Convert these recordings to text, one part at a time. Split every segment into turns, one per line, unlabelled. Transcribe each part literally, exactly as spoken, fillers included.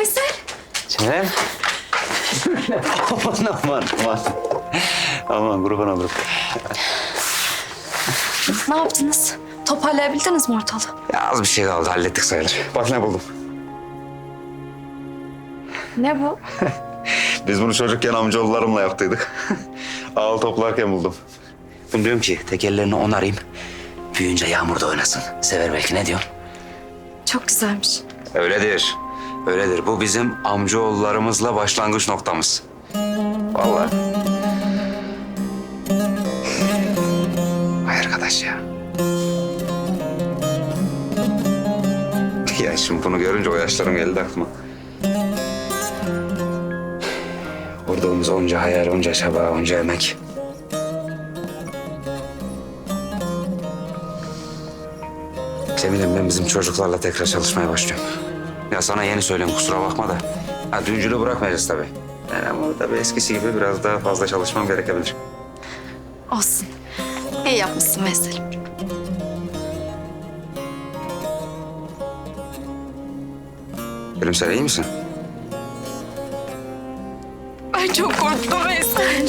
Veysel.
Çilem. aman aman aman. Aman kurban olurum.
Ne yaptınız? Toparlayabildiniz mi ortalığı?
Ya az bir şey kaldı, hallettik sayılır. Bak ne buldum.
Ne bu?
Biz bunu çocukken amcaoğullarımla yaptıydık. Ağıl toplarken buldum. Bunu diyorum ki tekerlerini onarayım. Büyüyünce yağmurda oynasın. Sever belki, ne diyorsun?
Çok güzelmiş.
Öyledir. Öyledir. Bu bizim amcaoğullarımızla başlangıç noktamız. Vallahi. Vay arkadaş ya. Ya şimdi bunu görünce o yaşlarım geldi aklıma. Vurduğumuz onca hayal, onca çaba, onca emek. Cemil'im, ben bizim çocuklarla tekrar çalışmaya başlıyorum. Ya sana yeni söyleyeyim, kusura bakma da. Ha, düncülü bırakmayacağız tabii. Yani ama tabii eskisi gibi biraz daha fazla çalışmam gerekebilir.
Olsun. İyi yapmışsın Veysel.
Gülüm, sen iyi misin?
Ay çok korktum Veysel.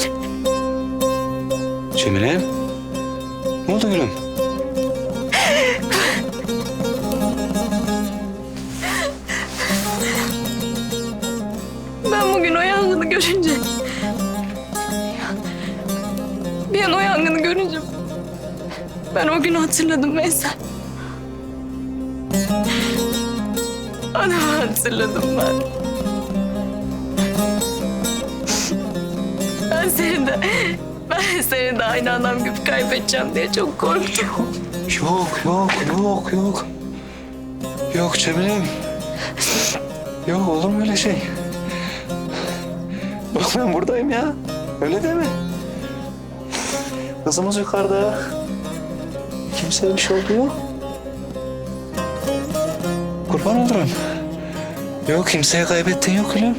Cemile, ne oldu gülüm?
Ben bugün o yangını görünce... Bir an o yangını görünce... Ben o günü hatırladım Veysel. Adamı hatırladım ben. Ben seni de... Ben seni de aynı adam gibi kaybedeceğim diye çok korktum.
Yok, yok, yok, yok. Yok Cemile'm. Yok, olur mu öyle şey? Bak ben buradayım ya. Öyle deme. Kızımız yukarıda. Kimseye bir şey oldu yok. Kurban olurum. Yok, kimseye kaybettin yok gülüm.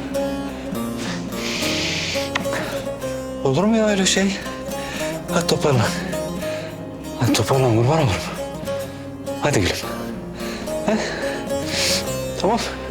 Olur mu ya öyle şey? Hadi toparlan. Hadi toparlan, kurban olurum. Hadi gülüm. He? Tamam.